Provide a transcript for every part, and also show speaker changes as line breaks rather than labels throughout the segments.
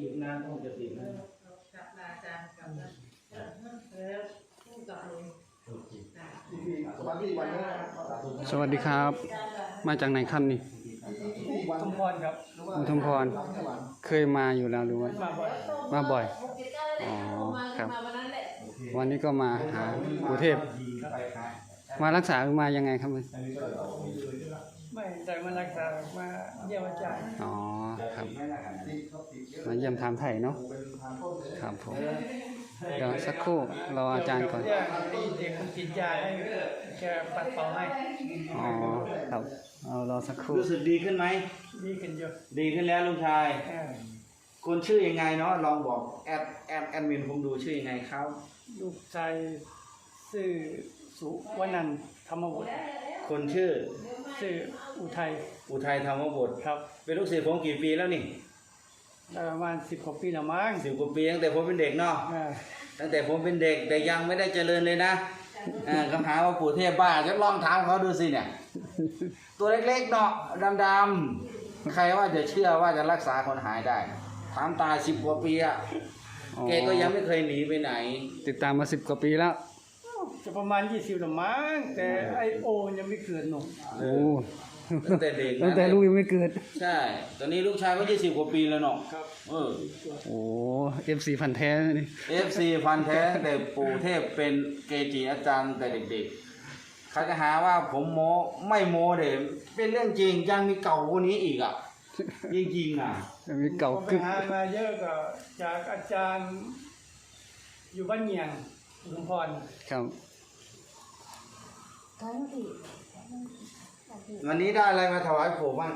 อีกนานคงจะติดนะ
กับอาจารย์กับผู้กับลุง
สวัสดีครับมาจากไหนครับนี่
อุทุมพรครับ
อุทุมพรเคยมาอยู่แล้วหรือว่ามาบ่อยอ๋อครับวันนี้ก็มาหาปู่เทพมารักษาหรือมายังไงครับ
ไม่ได้มารักษามาเยี่ยมอาจารย์
อ๋อครับมาเยี่ยมถามไถ่เนาะครับผมเดี๋ยวสักครู่รออาจารย์ก่อน
เด็กคนติดยาให้แกปัดเป่าให้
อ๋อครับเอารอสักครู่
รู้สึกดีขึ้นไหม
ดีขึ้นเยอะ
ดีขึ้นแล้วลุงชายคนชื่อยังไงเนาะลองบอกแอดมินผมดูชื่อยังไงครับ
ลูกชายชื่อสุวรรณธรรมบุตร
คนชื่อ
อุทัย
ธรรมบุตร
ครับ
เป็นลูกศิษย์ผมกี่ปีแล้วนี่
ประมาณ10 กว่าปีแล้วมั้ง
10 กว่าปีตั้งแต่ผมเป็นเด็กเนาะตั้งแต่ผมเป็นเด็กแต่ยังไม่ได้เจริญเลยนะคำถามว่าปู่เทพบ้าจะลองถามเขาดูสิเนี่ยตัวเล็กๆเนาะดำๆใครว่าจะเชื่อว่าจะรักษาคนหายได้ถามตา10 กว่าปีอะแกก็ยังไม่เคยหนีไปไหน
ติดตามมา10 กว่าปีแล้ว
จะประมาณ20แล้วมั้งแต่ไอโอยังไม่เกิดหนุ่ม
โอ้
ตั้งแต่เด็ก
ตั้งแต่ลูกยังไม่เกิด
ใช่ตอนนี้ลูกชายก็20 กว่าปีแล้วเนาะ
ครับ
โอ้ FC พันแท้นี่
FC พันแท้แต่ปู่เทพเป็นเกจิอาจารย์แต่เด็กๆเขาจะหาว่าผมโม้ไม่โม้เด็เป็นเรื่องจริงยังมีเก่ากว่านี้อีกอ่ะจริงๆอ่ะ
มีเก่า
ไปหามาเยอะก็จากอาจารย์อยู่บ้านเงียงอุทุมพร
ครับ
วันนี้ได้อะไรมาถวายปู่บ้าง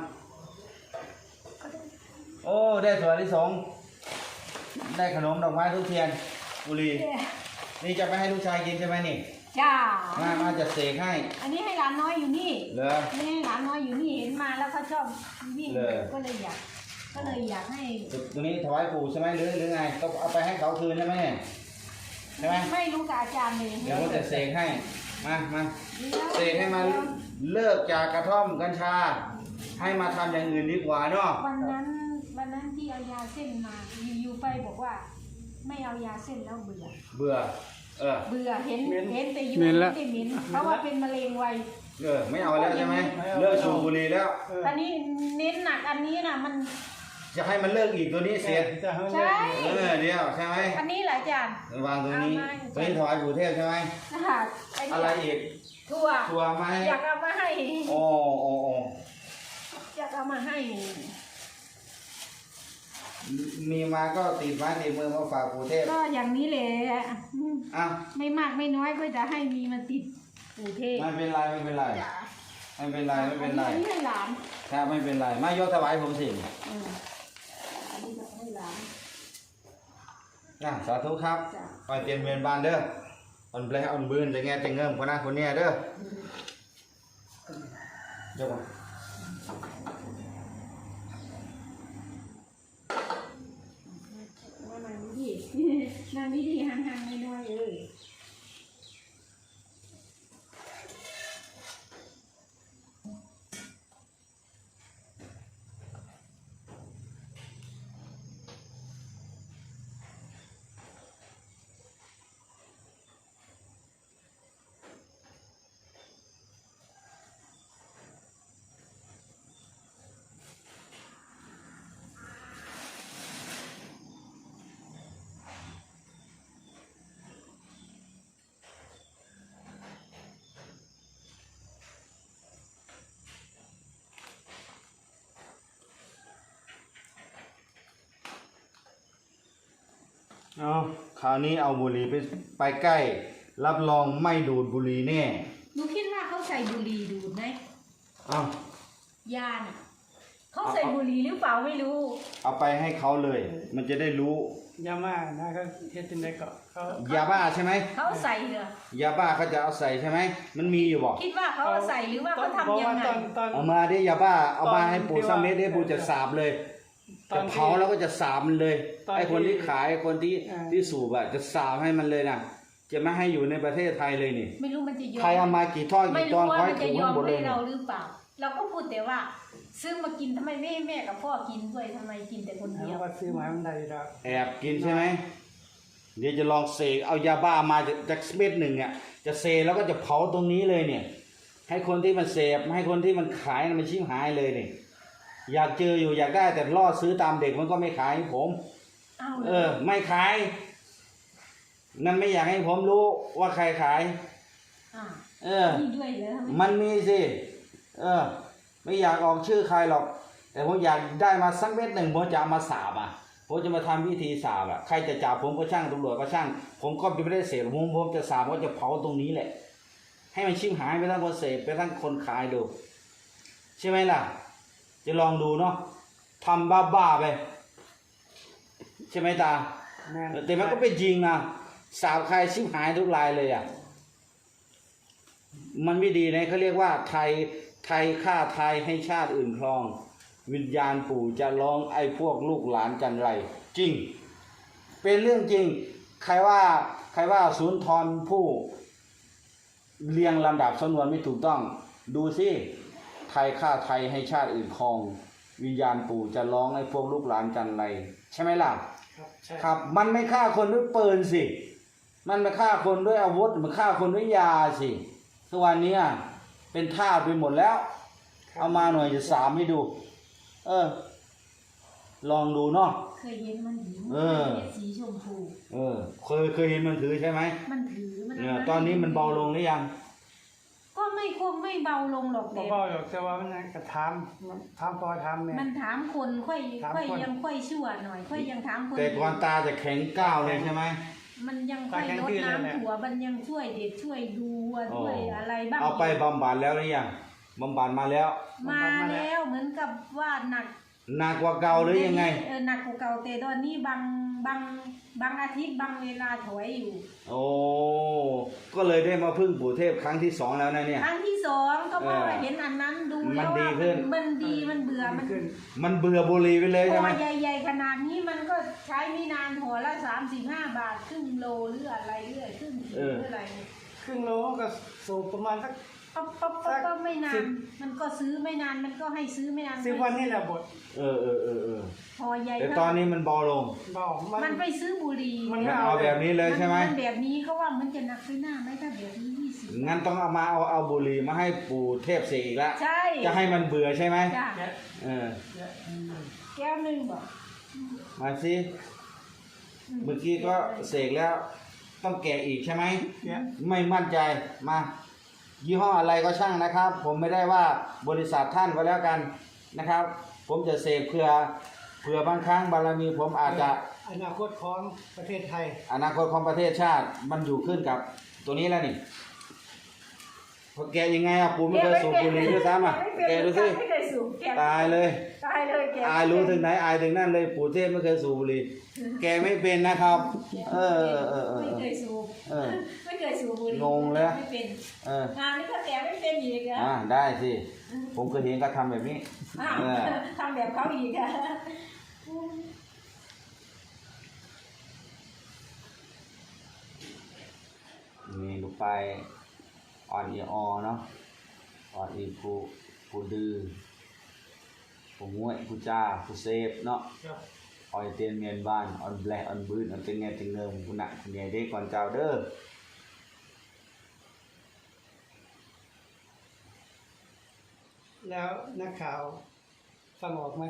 โอ้ได้ถั่วลิสงได้ขนมดอกไม้ทุกเทียนบุรีนี่จะไปให้ลูกชายกินใช่ไหมนี่
จ้า
มาจะเสกให้
อันนี้ให้หลานน้อยอยู่นี่
เหรอ
นี่ให้หลานน้อยอยู่นี่เห็นมาแล้วเขาชอบวิ่งก็เลยอยากให้
ตัวนี้ถวายปู่ใช่ไหมหรือไงก็เอาไปให้เขาคืนใช่ไหมใช่ไหม
ไม่รู้กับอาจารย์เลย
เดี๋ยวจะเสกให้มาเสกให้มาเลิกจากกระท่อมกัญชาให้มาทำอย่างอื่นดีกว่าเนาะ
วันนั้นที่เอายาเส้นมาอยู่ไปบอกว่าไม่เอายาเส้นแล้วเบื่อเบื่อเห็นแต่อยู่ไม่ได้เหม็นเพราะว่าเป็นมะเร็งไว
ไม่เอาแล้วใช่ไหมเลิกสูบบุหรี่แล้ว
ตอนนี้เน้นหนักอันนี้นะมัน
จะให้มันเลิกอีกตัวนี้เสีย
ใช่
เดียวใช่ไหม
อันนี้หลายจาน
วางตรงนี้ถวายปู่เทพใช่ไหมอะไรอีกถั่วไหม
อยากเอามาให้
โอ้
อยากเอามาให้
มีมาก็ติดไม้ติดมือมาฝากปู่เทพ
ก็อย่างนี้แหละไม่มากไม่น้อยก็จะให้มีมาติดปู่เทพ
ไม่เป็นไรไม่เป็นไร
นี่ให้หลาน
ครับไม่เป็นไรมายกถวายผมสิสาธุครับไปเตรียมเวียนบานเด้ออ่อนเปลอ่อนบืนจะแง่จะเงิมคนนั้นคนนี้เด้อยกมา
นางวิธีห่างๆไม่น้อย
คราวนี้เอาบุหรี่ไปใกล้รับรองไม่ดูดบุหรี่แน่
หนูคิดว่าเขาใส่บุหรี่ดูดไหมยาน่ะเขาใส่บุหรี่หรือเปล่าไม่รู้
เอาไปให้เขาเลยมันจะได้รู้
ยาบ้านะเขาเฮ็ดจังได๋ก็เขา
ยาบ้าใช่ไหม
เขาใส่เหรอย
าบ้าเขาจะเอาใส่ใช่ไหมมันมีอยู่บอก
คิดว่าเขาเอาใส่หรือว่าเขาทำยังไง
เอามาดิยาบ้าเอามาให้ปู่ซัมเมตได้ปู่จะสาบเลยจะเผาแล้วก็จะสาบมันเลยไอ้คนที่ขายคนที่สูบจะสาบให้มันเลยนะจะไม่ให้อยู่ในประเทศไทยเลยนี่
ไม่รู้มันจะยอม
ใครเอามากี่ท่อนกี่ตอน
คอยถูกหมดเลยเราหรือเปล่าเราก็พูดแต่ว่าซื้อมากินทำไมไม่ให้แม่กับพ่อกินด้วยทำไมกินแต่คนเดียว
ว่าซื้อมาให้มันได้แล้ว
แอบกินใช่ไหมเดี๋ยวจะลองเสกเอายาบ้ามาจากเม็ดหนึ่งเนี่ยจะเสกแล้วก็จะเผาตรงนี้เลยเนี่ยให้คนที่มันเสพให้คนที่มันขายมันชิบหายเลยเนี่ยอยากเจออยู่อยากได้แต่ล่อซื้อตามเด็กมันก็ไม่ขายให้ผมไม่ขายนั่นไม่อยากให้ผมรู้ว่าใครขาย
มีด้วยเหรอ
มันมีสิไม่อยากออกชื่อใครหรอกแต่ผมอยากได้มาสักเม็ดหนึ่งผมจะเอามาสาบผมจะมาทำพิธีสาบใครจะจับผมก็ช่างตำรวจก็ช่างผมก็ไม่ได้เสพผมจะสาบว่าจะเผาตรงนี้แหละให้มันชิบหายไปทั้งคนเสพไปทั้งคนขายดูใช่ไหมล่ะจะลองดูเนาะทำบ้าๆไปใช่ไหมตาแต่มันก็เป็นจริงนะสาบใครชิบหายทุกรายเลยมันไม่ดีนะเขาเรียกว่าไทยฆ่าไทยให้ชาติอื่นครองวิญญาณปู่จะร้องไอ้พวกลูกหลานจันไรจริงเป็นเรื่องจริงใครว่าสุนทรผู้เรียงลำดับสำนวนไม่ถูกต้องดูสิไทยฆ่าไทยให้ชาติอื่นครองวิญญาณปู่จะร้องไอ้พวกลูกหลานจันไรใช่ไหมล่ะครับมันไม่ฆ่าคนด้วยปืนสิมันไม่ฆ่าคนด้วยอาวุธมันฆ่าคนด้วยยาสิทุกวันนี้เป็นทาสไปหมดแล้วเอามาหน่อยจะสามให้ดูลองดูเนาะ
เคยเห็นมันถือสีชมพู
เคยเห็นมันถือใช่ไหม
มันถือมัน
ตอนนี้มันเบาลงหรือยัง
ก็คงไม่เบาลงหรอก
เบาหรอกแต่ว่ามันกระทำพอทำเนี่ย
มันถามคนค่อยยังค่อยชั่วหน่อยค่อยยังถามคน
แต่ก่อนตาจะแข็งก้าวเลยใช่ไหม
มันยังค่อยลดน้ำถั่วมันยังช่วยเด็กช่วยดูช่วยอะไรบ้าง
เอาไปบำบัดแล้วหรือยังบำบัดมาแล้ว
เหมือนกับว่าห
นักกว่าเก่าหรือยังไง
หนักกว่าเก่าแต่ตอนนี้บางอาทิตย์บางเวลาถอยอยู่
โอ้ก็เลยได้มาพึ่งปู่เทพครั้งที่2แล้วนะเนี่ย
ครั้งที่2ก็เพราะว่าเห็นอันนั้นดูแล้วว่ามันดีมันเบื่อ
มันเบื่อบุหรี่ไปเลยใช่ไหม
ใหญ่ๆขนาดนี้มันก็ใช้ไม่นานหัวละ35 บาทครึ่งโลหรืออะไรเรื่อยครึ่งกิโลหรืออะไร
ครึ่งโลก็สูบประมาณสัก
ก็ไม่นานมันก็ซื้อไม่นานมันก็ให้ซื้อไม่นาน
ซื้อวันนี้แหละบท
พอใหญ่
แต่ตอนนี้มันเบาลง
มันไปซื้อบุหรี่
มันเอาแบบนี้เลยใช่ไหม
มันแบบนี้เขาว่ามันจะหนักไปหน้าไหมถ้าแบบนี้
20งั้นต้องเอาบุหรี่มาให้ปู่เทพเสกอีกแล้ว
ใช่
จะให้มันเบื่อใช่ไหม
แก้วนึงบอก
มาสิเมื่อกี้ก็เสกแล้วต้องแกะอีกใช่ไหมไม่มั่นใจมายี่ห้ออะไรก็ช่างนะครับผมไม่ได้ว่าบริษัทท่านก็แล้วกันนะครับผมจะเสกเผื่อบางครั้งบารมีผมอาจจะ
อนาคตของประเทศไทย
อนาคตของประเทศชาติมันอยู่ขึ้นกับตัวนี้แล้วนี่พอแกยังไงปู่ไม่เคยสูบบุหรี่ด้วยซ้ำแกดูสิตายเลยอายรู้ถึงไหนอายถึงนั่นเลยปู่เทพไม่เคยสูบบุหรี่แกไม่เป็นนะครับ
ไม่เคยสูบไม่เคยสูบบุหรี่
งงเลย
ไม่เป็นงานนี้ก็แต่ไม่เป็นอีกเหรอ
ได้สิผมเคยเห็นก็ทำแบบนี้
ทำแบบเขาอีกอะ
นี่ลูกไปอ่อนอีอเนาะอ่อนอีผู้ดื้อผู้ง่วยผู้จ้าผู้เซฟเนาะอ่อยเตียนเมียนบ้านอ่อนแบลอ่อนบื้นอ่อนเตียนเงี้ยเตียนเงิมผู้หนักผู้ใหญ่ได้ก่อนเจ้าเด้อ
แล้วนักข่าวฟังออกไหม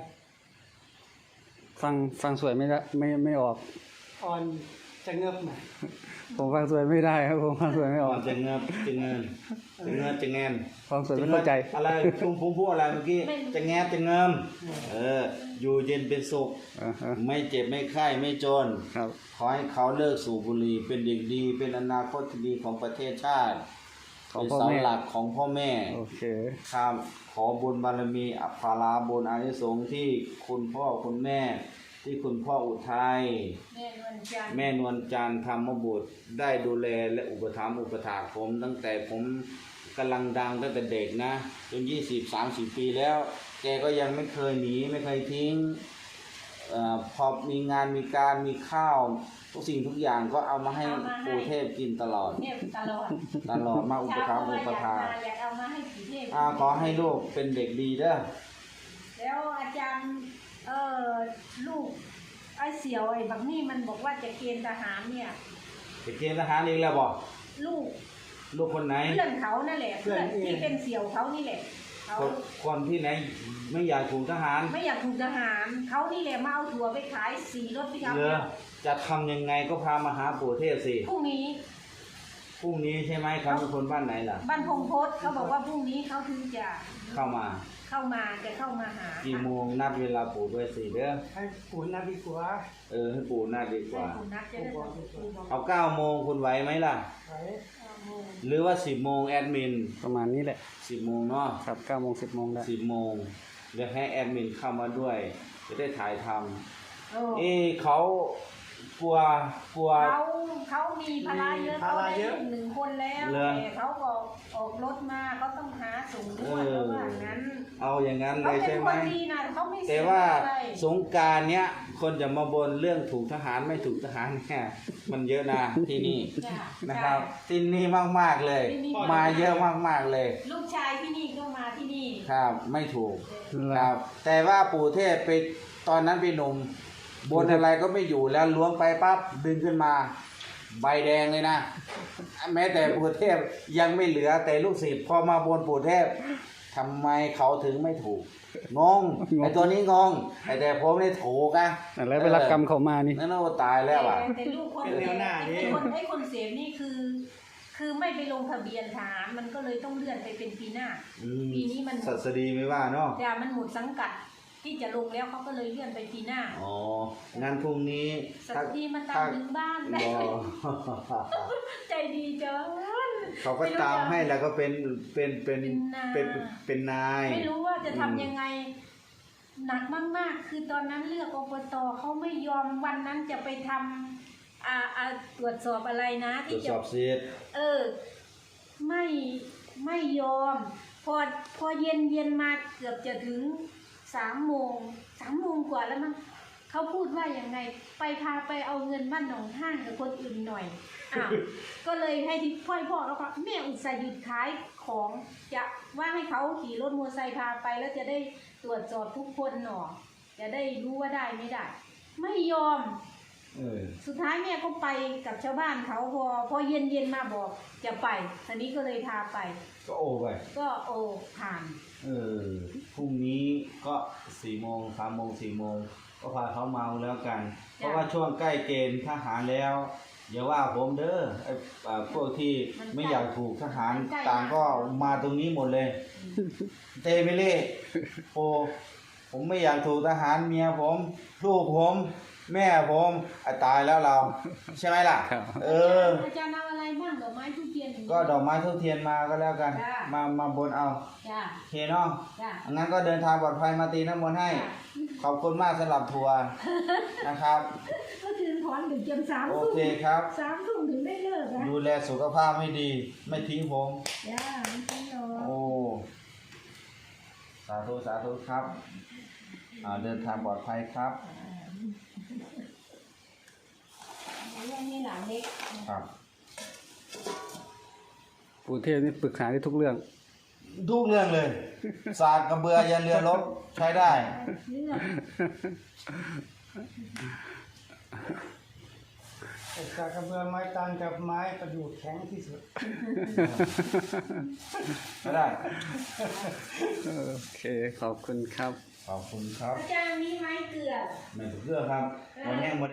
ฟังสวยไม่ได้ไม่ออก
อ่อนจะเงือบไหม
ผมฟังสวยไม่ได้ครับผมฟังสวยไม่ออก
จะเงือบจะเงิน
ฟังสวยไม่เข้าใจ
อะไรผมพูดอะไรเมื่อกี้จะแงบจะเงิมอยู่เย็นเป็นสุขไม่เจ็บไม่ไข้ไม่จนขอให้เขาเลิกสูบบุหรี่เป็นเด็กดีเป็นอนาคตที่ดีของประเทศชาติเป็นเสาหลักของพ่อแม่ครับขอบุญบารมีอภาราบุญอานิสงส์ที่คุณพ่อคุณแม่ที่คุณพ่ออุทัยแม่นวลจันทร์ธรรมบุตรได้ดูแลและอุปถัมภ์อุปถากผมตั้งแต่ผมกำลังดังตั้งแต่เด็กนะจน20-30 ปีแล้วแกก็ยังไม่เคยหนีไม่เคยทิ้งพอมีงานมีการมีข้าวทุกสิ่งทุกอย่างก็เอามาให้ปู่เทพกินตลอดมาอุปถัมภ์อุปถากขอให้ลูกเป็นเด็กดีเด้อ
แล้วอาจารย์ลูกไอ้เสี่ยวไอ้บักนี่มันบอกว่าจะเกณฑ์ทหารเนี่ย
ไปเกณฑ์ทหารอีกแล้วบอก
ลูก
ลูกคนไหน
เพื่อนเขานั่นแหละเพื่อนที่เป็นเสี่ยวเขานี่แหละเขา
คนที่ไหนไม่อยากถูกทหาร
ไม่อยากถูกทหารเขานี่แหละมาเอาถั่วไปขาย4 รถปิกอัพ
เหรอจะทำยังไงก็พามาหาปู่เทพสิ
พรุ่งนี้
พรุ่งนี้ใช่ไหมครับเป็นคนบ้านไหนล่ะ
บ้านพงพศเขาบอกว่าพรุ่งนี้เขาถึงจะ
เข้ามา
เข้ามาหา
กี่โมงนัดเวลาปู่ด้วยสิเด้อ
ให้ปู่นัดดีกว่า
ให้ปู่นัดดีกว่า
ให้คุณนัดจะได้บอก
เอา9 โมงคุณไหวไหมล่ะ
ไว้
หรือว่า10 โมงแอดมิน
ประมาณนี้แหละ
10 โมงเนาะ
ครับ9 โมง 10 โมงได้
10 โมงเดี๋ยวให้แอดมินเข้ามาด้วย จะได้ถ่ายท
โอ้
ำเขากลัว
เขามีภาระเยอะเขาได้ลูก1 คนแล้ว
เหรอ
แต่เขาก็ออกรถมาเขาต้องหาส่งด้วยแล้วว่างั้น
เอาอย่างนั้นเล
เขา
ย
เป็น
ใช่
ค
ไหม
นดีนะเขาไม่เสี
แต่
ย
ว่า
อะไร
สงกรารเนี้ยคนจะมาบนเรื่องถูกทหารไม่ถูกทหารเนี่ยมันเยอะนะที่นี่
จ้ะ
นะครับที่นี่มากๆเลย มาเยอะมากๆเลย
ลูกชายที่นี่ก็มาที่นี่
ครับไม่ถูกครับ แต่ว่าปู่เทพไปตอนนั้นไปหนุ่มบนอะไรก็ไม่อยู่แล้วล้วงไปปั๊บดึงขึ้นมา ใบแดงเลยนะ แม้แต่ปู่เทพยังไม่เหลือแต่ลูกศิษย์พอมาบนปู่เทพทำไมเขาถึงไม่ถูกงงไอตัวนี้งงไอแต่ผมนี่ถูกอะ
แล้วไปรับกรรมเขามานี่
นั่นโอ้ตายแล้วอ่ะ
แต่ลูกคนไอ้คนเสพนี่คือไม่ไปลงทะเบียนทหารมันก็เลยต้องเลื่อนไปเป็นปีหน้า ปีนี้มัน
ศัสดีไม่ว่าเนาะ
แต่มันหมดสังกัดที่จะลงแล้วเขาก็เลยเลื่อนไปปีหน้า
อ๋อ งั้นพรุ่งนี้
สักทีมันตามถึงบ้านได้
รอ
ใจดีจัง
เขาก็ตามให้แล้วก็เป็นนาย
ไม่รู้ว่าจะทำยังไง หนักมากๆ คือตอนนั้นเลือกอบตเขาไม่ยอมวันนั้นจะไปทำตรวจสอบอะไรนะ
ตรว
ที่
จ
จะ
สอบสิทธิ์
ไม่ยอม พอเย็นมาเกือบจะถึง3 โมงกว่าแล้วมั้งเขาพูดว่าอย่างไงพาไปเอาเงินบ้านหนองห้างกับคนอื่นหน่อยก็เลยให้ที่พ่อแล้วก็แม่อุตส่าห์หยุดขายของจะว่าให้เขาขี่รถมอเตอร์ไซค์พาไปแล้วจะได้ตรวจสอบทุกคนหนอจะได้รู้ว่าได้ไม่ได้ ไม่ยอม สุดท้ายแม่ก็ไปกับชาวบ้านเขาพอเย็นมาบอกจะไปทีนี้ก็เลยพาไป
ก็โอไป
ก็ผ่าน
พรุ่งนี้ก็4 โมง 3 โมง 4 โมงก็พาเขาเมาแล้วกัน เพราะว่าช่วงใกล้เกณฑ์ทหารแล้วอย่าว่าผมเด้อไอ้พวกที่ไม่อยากถูกทหารต่างก็มาตรงนี้หมดเลย เตมิเล่ผมไม่อยากถูกทหารเมียผมลูกผมแม่ผมตายแล้วเรา ใช่ไหมล่ะ
ครับ
อาจารย์เอาอะไรบ้างดอกไม้ทุกเทียน
ก็ดอกไม้ทุกเทียนมาก็แล้วกัน
จ้ะ
มาบนเอา
จ้า
โอเคเนาะ
จ้า
งั้นก็เดินทางปลอดภัยมาตีน้ำมนต์ให้ ขอบคุณมากสำหรับทัวร์นะครับ
ก็ถึงถอนถึงเจียม3
โอ
ทุ่ม
เคครับ
3 ทุ่มถึงได้เลิกนะ
ดูแลสุขภาพให้ดี ไม่ทิ้งผม
จ้าไม่ใช่หรอก
โอ้ สาธุสาธุครับ เดินทางปลอดภัยครับ
เรื่องนี้หลานเล็ก
ครับ
ปู่เทพนี่ปรึกษาได้ทุกเรื่อง
ทุกเรื่องเลย สากกระเบือยันเรือรบใช้ได้
เรื่อง
แต่จากกระเบือไม้ตานกับไม้ประดู่แข็งที่สุด
ใช้ได้
โอเค ขอบคุณครับ
ขอบคุณครับ
อาจารย์มีไม้เกลือ
ไม่ถูกเรื่องครับวันนี้หมด